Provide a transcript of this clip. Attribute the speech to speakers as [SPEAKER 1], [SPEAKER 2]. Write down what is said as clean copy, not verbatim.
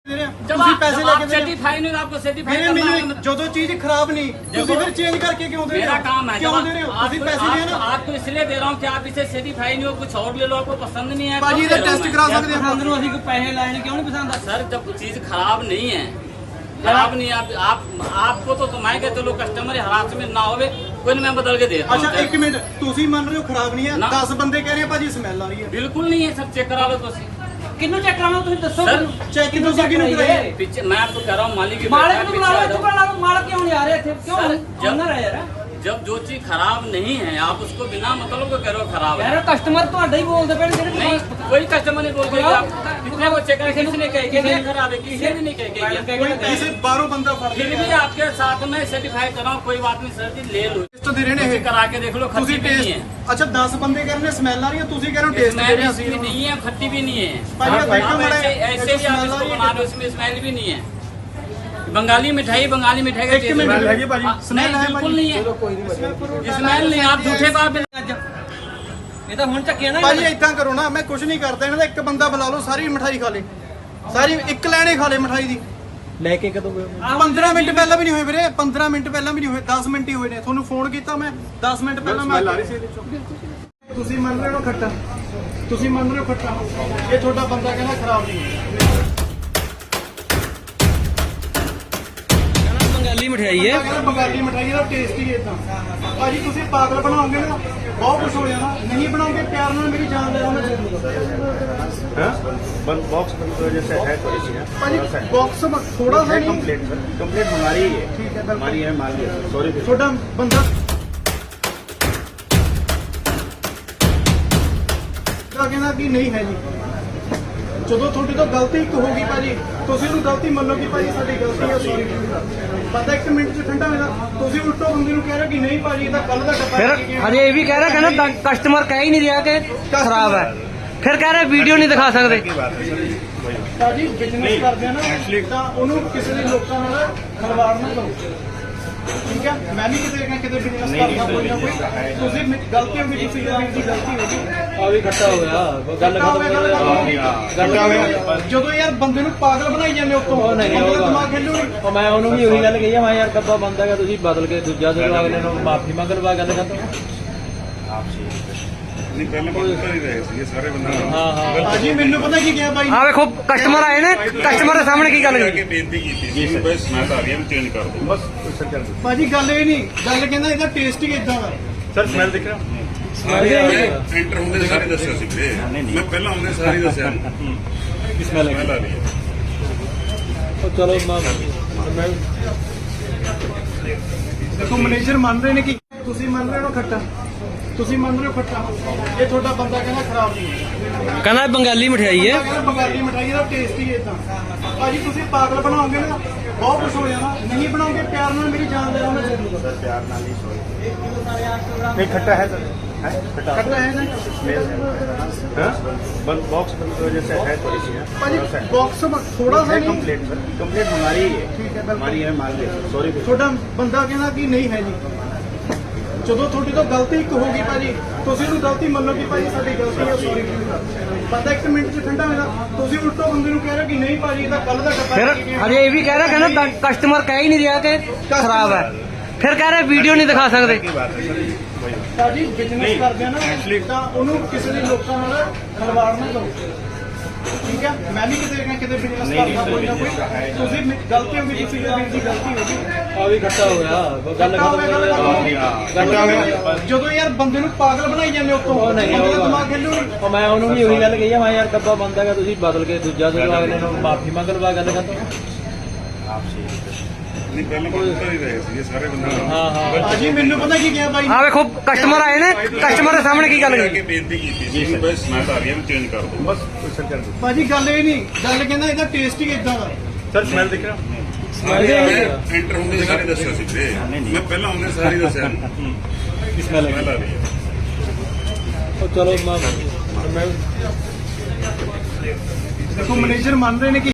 [SPEAKER 1] ਤੁਸੀਂ ਪੈਸੇ ਲੈ ਕੇ
[SPEAKER 2] सर्टिफाई नहीं आपको सर्टिफाई
[SPEAKER 1] ਮੇਰੇ ਮੈਨੂੰ ਜਦੋਂ ਚੀਜ਼ ਖਰਾਬ ਨਹੀਂ ਤੁਸੀਂ ਫਿਰ ਚੇਂਜ ਕਰਕੇ ਕਿਉਂ ਦੇ ਰਹੇ
[SPEAKER 2] मेरा
[SPEAKER 1] हो?
[SPEAKER 2] काम है
[SPEAKER 1] क्यों दे रहे हो? ਤੁਸੀਂ ਪੈਸੇ ਦੇ ਨਾ
[SPEAKER 2] आपको इसलिए दे रहा हूँ कि आप इसे सर्टिफाई नहीं हो कुछ और ले लो आपको पसंद नहीं है
[SPEAKER 1] ਭਾਜੀ ਇਹਦਾ ਟੈਸਟ ਕਰਾ ਸਕਦੇ ਆਪਾਂ
[SPEAKER 3] ਅੰਦਰੋਂ ਅਸੀਂ ਕੋਈ ਪੈਸੇ ਲੈਣੇ ਕਿਉਂ ਨਹੀਂ ਪਸੰਦ
[SPEAKER 2] सर जब चीज खराब नहीं है खराब नहीं है आप आपको तो मैं कहते चलो कस्टमर हरासमेंट ना होवे कोई मैं बदल के देता
[SPEAKER 1] ਅੱਛਾ
[SPEAKER 2] हूँ
[SPEAKER 1] ਇੱਕ ਮਿੰਟ ਤੁਸੀਂ ਮੰਨ ਰਹੇ ਹੋ ਖਰਾਬ ਨਹੀਂ ਹੈ
[SPEAKER 2] ਨਾ।
[SPEAKER 1] 10 ਬੰਦੇ ਕਹਿ ਰਹੇ ਆ ਭਾਜੀ ਸਮੈਲ ਆ ਰਹੀ ਹੈ
[SPEAKER 2] बिल्कुल नहीं है सब चेक करा लो तो
[SPEAKER 3] ਕਿੰਨੂੰ ਚੈੱਕ ਕਰਾਉਣਾ ਤੁਸੀਂ ਦੱਸੋ
[SPEAKER 2] सर
[SPEAKER 1] ਚੈੱਕ ਤੁਸੀਂ ਕਿਹਨੂੰ ਕਰਾਇਆ
[SPEAKER 2] पीछे मैं आपको कह रहा हूँ मालिक
[SPEAKER 3] ਮਾਲਕ ਨੂੰ ਬੁਲਾਓ ਇੱਥੇ ਬੁਲਾਓ ਮਾਲਕ ਕਿਉਂ ਨਹੀਂ ਆ ਰਿਹਾ ਇੱਥੇ ਕਿਉਂ
[SPEAKER 2] सर, जब-
[SPEAKER 3] ਓਨਰ ਹੈ ਯਾਰ
[SPEAKER 2] जब जो चीज खराब नहीं है आप उसको बिना मतलब को कह रहे हो खराब है
[SPEAKER 3] ਯਾਰ ਕਸਟਮਰ ਤੁਹਾਡਾ ਹੀ ਬੋਲਦੇ ਪਏ ਨੇ ਜਿਹੜੇ
[SPEAKER 2] नहीं कोई कस्टमर नहीं बोलते कि आप कितने को चेक करें किसी ने कहे कि ये खराब है किसी ने नहीं कहे
[SPEAKER 1] ਕੋਈ ਕਿਸੇ ਬਾਹਰੋਂ ਬੰਦਾ ਫੜ
[SPEAKER 2] फिर भी आपके साथ में सर्टिफाई कर रहा हूँ कोई बात नहीं सर जी ले लो
[SPEAKER 1] ਟੈਸਟ ਦੇ ਰਹੇ ਨੇ ਇਹ
[SPEAKER 2] करा के देख लो
[SPEAKER 1] ਤੁਸੀਂ
[SPEAKER 2] खट्टी भी नहीं है
[SPEAKER 1] ਟੈਸਟ ਅੱਛਾ 10 ਬੰਦੇ ਕਹਿ ਰਹੇ ਨੇ ਸਮੈਲ ਆ ਰਹੀ ਹੈ ਤੁਸੀਂ ਕਹਿ ਰਹੇ ਹੋ ਟੈਸਟ ਦੇ ਰਹੇ
[SPEAKER 2] स्मेल
[SPEAKER 1] ਅਸੀਂ
[SPEAKER 2] इसमें नहीं है खट्टी भी नहीं है
[SPEAKER 1] भाई, ये
[SPEAKER 2] आप
[SPEAKER 1] देखो
[SPEAKER 2] ऐसे
[SPEAKER 1] बड़ा-
[SPEAKER 2] ऐसे ही आप इसको बना रहे हो इसमें स्मेल भी नहीं है बंगाली मिठाई का
[SPEAKER 1] एक
[SPEAKER 2] टेस्ट
[SPEAKER 1] मिनट
[SPEAKER 2] है।
[SPEAKER 1] है जी भाजी,
[SPEAKER 2] हाँ,
[SPEAKER 1] स्मेल
[SPEAKER 2] नहीं,
[SPEAKER 1] है
[SPEAKER 2] बिल्कुल
[SPEAKER 1] भाजी।
[SPEAKER 2] नहीं है स्मेल नहीं आप झूठे बात
[SPEAKER 3] ਅੱਜ ਇਹ ਤਾਂ ਹੁਣ ਚੱਕਿਆ ਨਾ
[SPEAKER 1] ਭਾਜੀ ਇਦਾਂ ਕਰੋ ਨਾ ਮੈਂ ਕੁਝ ਨਹੀਂ ਕਰਦਾ ਇਹਨਾਂ ਦਾ ਇੱਕ ਬੰਦਾ ਬੁਲਾ ਲਓ ਸਾਰੀ ਮਠਾਈ ਖਾ ਲੇ ਸਾਰੀ ਇੱਕ ਲੈਣੇ ਖਾ ਲੇ ਮਠਾਈ ਦੀ
[SPEAKER 4] ਲੈ ਕੇ ਕਦੋਂ ਗਏ
[SPEAKER 1] 15 ਮਿੰਟ ਪਹਿਲਾਂ ਵੀ ਨਹੀਂ ਹੋਏ ਵੀਰੇ 15 ਮਿੰਟ ਪਹਿਲਾਂ ਵੀ ਨਹੀਂ ਹੋਏ 10 ਮਿੰਟ ਹੀ ਹੋਏ ਨੇ ਤੁਹਾਨੂੰ ਫੋਨ ਕੀਤਾ ਮੈਂ 10 ਮਿੰਟ ਪਹਿਲਾਂ ਮੈਂ ਤੁਸੀਂ ਮੰਨ ਰਹੇ ਹੋ ਖੱਟਾ ਤੁਸੀਂ ਮੰਨ ਰਹੇ ਹੋ ਖੱਟਾ ਇਹ ਤੁਹਾਡਾ ਬੰਦਾ ਕਹਿੰਦਾ ਖਰਾਬ ਨਹੀਂ ਹੈ
[SPEAKER 3] ਬੰਗਾਲੀ ਮਠਿਆਈ ਹੈ
[SPEAKER 1] ਕਹਿੰਦਾ ਬੰਗਾਲੀ ਮਠਾਈ ਦਾ ਟੇਸਟ ਹੀ ਇਦਾਂ ਭਾਜੀ ਤੁਸੀਂ ਪਾਗਲ ਬਣਾਓਗੇ ਨਾ ਬਹੁਤ ਕੁਝ ਹੋ ਜਾਣਾ ਨਹੀਂ ਬਣਾਓਗੇ ਪਿਆਰ ਨਾਲ ਮੇਰੀ ਜਾਨ ਲੈ ਲਓ ਮੈਂ ਦੇ ਦੂੰਗਾ
[SPEAKER 4] बंद बॉक्स बंद की वजह से है थोड़ी सी है
[SPEAKER 1] ਭਾਜੀ ਬਾਕਸ ਥੋੜਾ सा
[SPEAKER 4] है
[SPEAKER 1] नहीं
[SPEAKER 4] कंप्लेंट सर कंप्लेंट हमारी ही है
[SPEAKER 1] ठीक है, बिल्कुल।
[SPEAKER 4] हमारी है मान लिया सॉरी
[SPEAKER 1] ਤੁਹਾਡਾ ਬੰਦਾ ਕਹਿੰਦਾ ਕਿ ਨਹੀਂ ਹੈ ਜੀ ਜਦੋਂ ਤੁਹਾਡੀ ਤੋਂ ਗਲਤੀ ਇੱਕ ਹੋ ਗਈ ਭਾਜੀ ਤੁਸੀਂ ਉਹਨੂੰ ਗਲਤੀ ਮੰਨੋ ਕਿ ਭਾਜੀ ਸਾਡੀ ਗਲਤੀ ਹੈ ਸੌਰੀ ਪਤਾ ਇੱਕ ਮਿੰਟ ਚ ਠੰਡਾ ਹੋ ਜਾਂਦਾ ਤੁਸੀਂ ਉਲਟੋ ਬੰਦੇ ਨੂੰ ਕਹਿ ਰਹੇ ਹੋ ਕਿ ਨਹੀਂ ਭਾਜੀ ਇਹ ਤਾਂ ਕੱਲ ਦਾ ਡੱਬਾ
[SPEAKER 3] ਫਿਰ
[SPEAKER 1] ਲੈ ਕੇ ਗਿਆ।
[SPEAKER 3] ਹਜੇ ਇਹ ਵੀ ਕਹਿ ਰਿਹਾ ਕਹਿੰਦਾ ਕਸਟਮਰ ਕਹਿ ਹੀ ਨਹੀਂ ਰਿਹਾ ਕਿ ਖਰਾਬ ਹੈ ਫਿਰ ਕਹਿ ਰਿਹਾ ਵੀਡੀਓ ਨਹੀਂ ਦਿਖਾ ਸਕਦੇ
[SPEAKER 4] की बात है सर वही
[SPEAKER 1] ਭਾਜੀ ਬਿਜ਼ਨਸ ਕਰਦੇ ਆ ਨਾ ਤਾਂ ਉਹਨੂੰ ਕਿਸੇ ਦੇ ਲੋਕਾਂ ਨਾਲ ਖਲਵਾੜ ਨਾ ਕਰੋ ਠੀਕ ਹੈ ਮੈਂ ਵੀ ਕਿਤੇ ਨਾ ਕਿਤੇ ਬਿਜ਼ਨਸ ਕਰਦਾ ਕੋਈ ਨਾ ਕੋਈ ਤੁਸੀਂ ਗਲਤੀ ਹੋ ਗਈ ਤੁਸੀਂ ਵੀਰ ਦੀ ਗਲਤੀ ਹੋ ਗਈ
[SPEAKER 3] ਆ ਵੀ ਖੱਟਾ ਹੋ ਗਿਆ ਗੱਲ
[SPEAKER 1] ਗੱਲ ਜਦੋਂ ਯਾਰ ਬੰਦੇ ਨੂੰ ਪਾਗਲ ਬਣਾਈ ਜਾਂਦੇ ਉੱਤੋਂ ਬੰਦੇ ਦਾ ਦਿਮਾਗ ਖੇਲੂ ਨਹੀਂ
[SPEAKER 3] ਉਹ ਮੈਂ ਉਹਨੂੰ ਵੀ ਉਹੀ ਗੱਲ ਕਹੀ ਆ ਮੈਂ ਯਾਰ ਕੱਬਾ ਬੰਦ ਹੈਗਾ ਤੁਸੀਂ ਬਦਲ ਕੇ ਦੂਜਾ ਦੇ ਦਿਓ ਅਗਲੇ ਨੂੰ ਮਾਫੀ ਮੰਗ ਲਵਾ ਗੱਲ ਖਤਮ
[SPEAKER 5] ਨਹੀਂ ਪਹਿਲਾਂ ਬੰਦ ਕਰ ਹੀ ਰਹੇ ਸੀ ਇਹ ਸਾਰੇ ਬੰਦੇ
[SPEAKER 3] ਹਾਂ ਹਾਂ
[SPEAKER 1] ਭਾਜੀ ਮੈਨੂੰ ਪਤਾ ਕੀ ਕਿਹਾ ਬਾਈ
[SPEAKER 3] ਆ ਵੇਖੋ ਕਸਟਮਰ ਆਏ ਨੇ ਕਸਟਮਰ ਦੇ ਸਾਹਮਣੇ ਕੀ ਗੱਲ
[SPEAKER 5] ਕੇ
[SPEAKER 3] ਕਰੀ
[SPEAKER 5] ਬੇਨਤੀ ਕੀਤੀ ਸੀ ਕਿ ਬਸ ਸਮੈਲ ਆ ਰਹੀ ਹੈ ਚੇਂਜ ਕਰ ਦਿਓ
[SPEAKER 4] बस सर कर दो
[SPEAKER 1] ਭਾਜੀ ਗੱਲ ਇਹ ਨਹੀਂ ਗੱਲ ਕਹਿੰਦਾ ਇਹਦਾ ਟੇਸਟ ਹੀ ਇਦਾਂ ਦਾ
[SPEAKER 4] सर स्मेल दिख रहा
[SPEAKER 5] ਸਾਰੇ ਐਂਟਰ ਹੁੰਦੇ ਸਾਰੇ ਦੱਸਿਆ ਸੀ ਵੀਰੇ ਮੈਂ ਪਹਿਲਾਂ ਆਉਂਦੇ ਸਾਰੇ ਦੱਸਿਆ
[SPEAKER 4] स्मेल
[SPEAKER 5] ਸਮੈਲ ਆ ਰਹੀ ਹੈ
[SPEAKER 3] ਉਹ ਚਲੋ ਮੈਂ
[SPEAKER 1] ਦੇਖੋ ਮੈਨੇਜਰ ਮੰਨ ਰਹੇ ਨੇ ਕਿ ਤੁਸੀਂ ਮੰਨ ਰਹੇ ਹੋ ਖੱਟਾ ਤੁਸੀਂ ਮੰਨ ਰਹੇ ਹੋ ਖੱਟਾ ਇਹ ਤੁਹਾਡਾ ਬੰਦਾ ਕਹਿੰਦਾ ਖਰਾਬ ਨਹੀਂ ਹੈ
[SPEAKER 3] ਕਹਿੰਦਾ ਬੰਗਾਲੀ ਮਠਿਆਈ ਹੈ
[SPEAKER 1] ਕਹਿੰਦਾ ਬੰਗਾਲੀ ਮਠਾਈ ਦਾ ਟੇਸਟ ਹੀ ਇਦਾਂ ਭਾਜੀ ਤੁਸੀਂ ਪਾਗਲ ਬਣਾਓਗੇ ਨਾ ਬਹੁਤ ਕੁਝ ਹੋ ਜਾਣਾ ਨਹੀਂ ਬਣਾਓਗੇ ਪਿਆਰ ਨਾਲ ਮੇਰੀ ਜਾਨ ਲੈ ਲਓ ਮੈਂ ਦੇ ਦੂੰਗਾ
[SPEAKER 4] सर प्यार नाल ही सॉरी नहीं खट्टा है सर है खट्टा
[SPEAKER 1] ਖੱਟਾ ਹੈ ਨਾ
[SPEAKER 4] स्मेल है हाँ? बंद बॉक्स बंद की वजह से है थोड़ी सी है
[SPEAKER 1] ਭਾਜੀ ਬਾਕਸ ਥੋੜਾ सा
[SPEAKER 4] है
[SPEAKER 1] नहीं
[SPEAKER 4] कंप्लेंट सर कंप्लेंट हमारी ही है
[SPEAKER 1] ठीक है, बिल्कुल।
[SPEAKER 4] हमारी है मान लिया सॉरी
[SPEAKER 1] ਤੁਹਾਡਾ ਬੰਦਾ ਕਹਿੰਦਾ ਕਿ ਨਹੀਂ ਹੈ ਜੀ ਜਦੋਂ ਤੁਹਾਡੀ ਤੋਂ ਗਲਤੀ ਇੱਕ ਹੋ ਗਈ ਭਾਜੀ ਤੁਸੀਂ ਉਹਨੂੰ ਗਲਤੀ ਮੰਨੋ ਕਿ ਭਾਜੀ ਸਾਡੀ ਗਲਤੀ ਹੈ ਸੌਰੀ ਪਤਾ ਇੱਕ ਮਿੰਟ ਚ ਠੰਡਾ ਹੋ ਜਾਂਦਾ ਤੁਸੀਂ ਉਲਟੋ ਬੰਦੇ ਨੂੰ ਕਹਿ ਰਹੇ ਹੋ ਕਿ ਨਹੀਂ ਭਾਜੀ ਇਹ ਤਾਂ ਕੱਲ ਦਾ ਡੱਬਾ
[SPEAKER 3] ਫਿਰ
[SPEAKER 1] ਲੈ ਕੇ ਗਿਆ।
[SPEAKER 3] ਹਜੇ ਇਹ ਵੀ ਕਹਿ ਰਿਹਾ ਕਹਿੰਦਾ ਕਸਟਮਰ ਕਹਿ ਹੀ ਨਹੀਂ ਰਿਹਾ ਕਿ ਖਰਾਬ ਹੈ ਫਿਰ ਕਹਿ ਰਿਹਾ ਵੀਡੀਓ ਨਹੀਂ ਦਿਖਾ ਸਕਦੇ
[SPEAKER 4] की बात है सर वही
[SPEAKER 1] ਭਾਜੀ ਬਿਜ਼ਨਸ ਕਰਦੇ ਆ ਨਾ ਤਾਂ ਉਹਨੂੰ ਕਿਸੇ ਦੇ ਲੋਕਾਂ ਨਾਲ ਖਲਵਾੜ ਨਾ ਕਰੋ ਠੀਕ ਹੈ ਮੈਂ ਵੀ ਕਿਤੇ ਨਾ ਕਿਤੇ ਬਿਜ਼ਨਸ ਕਰਦਾ ਕੋਈ ਨਾ ਕੋਈ ਤੁਸੀਂ ਗਲਤੀ ਹੋ ਗਈ ਤੁਸੀਂ ਵੀਰ ਦੀ ਗਲਤੀ ਹੋ ਗਈ
[SPEAKER 3] ਆ ਵੀ ਖੱਟਾ ਹੋ ਗਿਆ ਗੱਲ
[SPEAKER 1] ਜਦੋਂ ਯਾਰ ਬੰਦੇ ਨੂੰ ਪਾਗਲ ਬਣਾਈ ਜਾਂਦੇ ਉੱਤੋਂ ਬੰਦੇ ਦਾ ਦਿਮਾਗ ਖੇਲੂ ਨਹੀਂ
[SPEAKER 3] ਉਹ ਮੈਂ ਉਹਨੂੰ ਵੀ ਉਹੀ ਗੱਲ ਕਹੀ ਆ ਮੈਂ ਯਾਰ ਕੱਬਾ ਬੰਦ ਹੈਗਾ ਤੁਸੀਂ ਬਦਲ ਕੇ ਦੂਜਾ ਦੇ ਦਿਓ ਅਗਲੇ ਨੂੰ ਮਾਫੀ ਮੰਗ ਲਵਾ ਗੱਲ ਖਤਮ
[SPEAKER 5] ਨਹੀਂ ਪਹਿਲਾਂ ਬੰਦ ਕਰ ਹੀ ਰਹੇ ਸੀ ਇਹ ਸਾਰੇ ਬੰਦੇ
[SPEAKER 3] ਹਾਂ ਹਾਂ
[SPEAKER 1] ਭਾਜੀ ਮੈਨੂੰ ਪਤਾ ਕੀ ਕਿਹਾ ਬਾਈ
[SPEAKER 3] ਆ ਵੇਖੋ ਕਸਟਮਰ ਆਏ ਨੇ ਕਸਟਮਰ ਦੇ ਸਾਹਮਣੇ ਕੀ ਗੱਲ
[SPEAKER 5] ਕੇ
[SPEAKER 3] ਕਰੀ
[SPEAKER 5] ਬੇਨਤੀ ਕੀਤੀ ਸੀ ਕਿ ਬਸ ਸਮੈਲ ਆ ਰਹੀ ਹੈ ਚੇਂਜ ਕਰ ਦਿਓ
[SPEAKER 4] बस सर कर दो
[SPEAKER 1] ਭਾਜੀ ਗੱਲ ਇਹ ਨਹੀਂ ਗੱਲ ਕਹਿੰਦਾ ਇਹਦਾ ਟੇਸਟ ਹੀ ਇਦਾਂ ਦਾ
[SPEAKER 4] सर स्मेल दिख रहा
[SPEAKER 5] ਸਾਰੇ ਐਂਟਰ ਹੁੰਦੇ ਸਾਰੇ ਦੱਸਿਆ ਸੀ ਵੀਰੇ ਮੈਂ ਪਹਿਲਾਂ ਆਉਂਦੇ ਸਾਰੇ ਦੱਸਿਆ
[SPEAKER 4] स्मेल
[SPEAKER 5] ਸਮੈਲ ਆ ਰਹੀ ਹੈ
[SPEAKER 3] ਉਹ ਚਲੋ ਮੈਂ
[SPEAKER 1] ਦੇਖੋ ਮੈਨੇਜਰ ਮੰਨ ਰਹੇ ਨੇ ਕਿ